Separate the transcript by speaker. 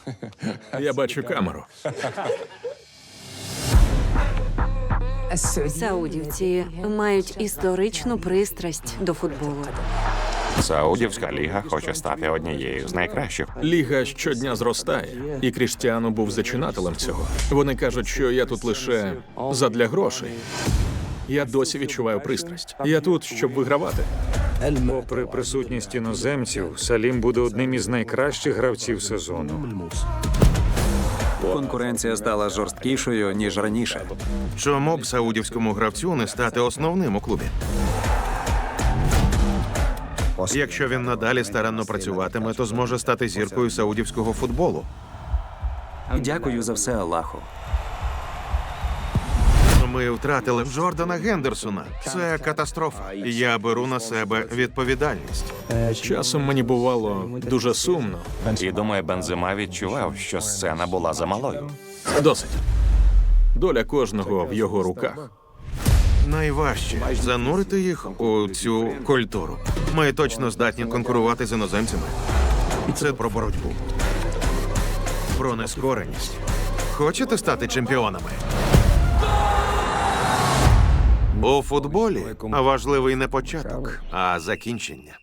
Speaker 1: Я бачу камеру.
Speaker 2: Саудівці мають історичну пристрасть до футболу.
Speaker 3: Саудівська ліга хоче стати однією з найкращих.
Speaker 1: Ліга щодня зростає, і Кріштіану був зачинателем цього. Вони кажуть, що я тут лише задля грошей. Я досі відчуваю пристрасть. Я тут, щоб вигравати.
Speaker 4: Попри присутність іноземців, Салім буде одним із найкращих гравців сезону.
Speaker 5: Конкуренція стала жорсткішою, ніж раніше.
Speaker 6: Чому б саудівському гравцю не стати основним у клубі? Якщо він надалі старанно працюватиме, то зможе стати зіркою саудівського футболу.
Speaker 5: Дякую за все Аллаху.
Speaker 6: Ми втратили Джордана Гендерсона. Це катастрофа. Я беру на себе відповідальність.
Speaker 1: Часом мені бувало дуже сумно.
Speaker 3: І думаю, Бензема відчував, що сцена була замалою.
Speaker 1: Досить. Доля кожного в його руках.
Speaker 6: Найважче занурити їх у цю культуру. Ми точно здатні конкурувати з іноземцями. Це про боротьбу, про нескореність. Хочете стати чемпіонами? У футболі важливий не початок, а закінчення.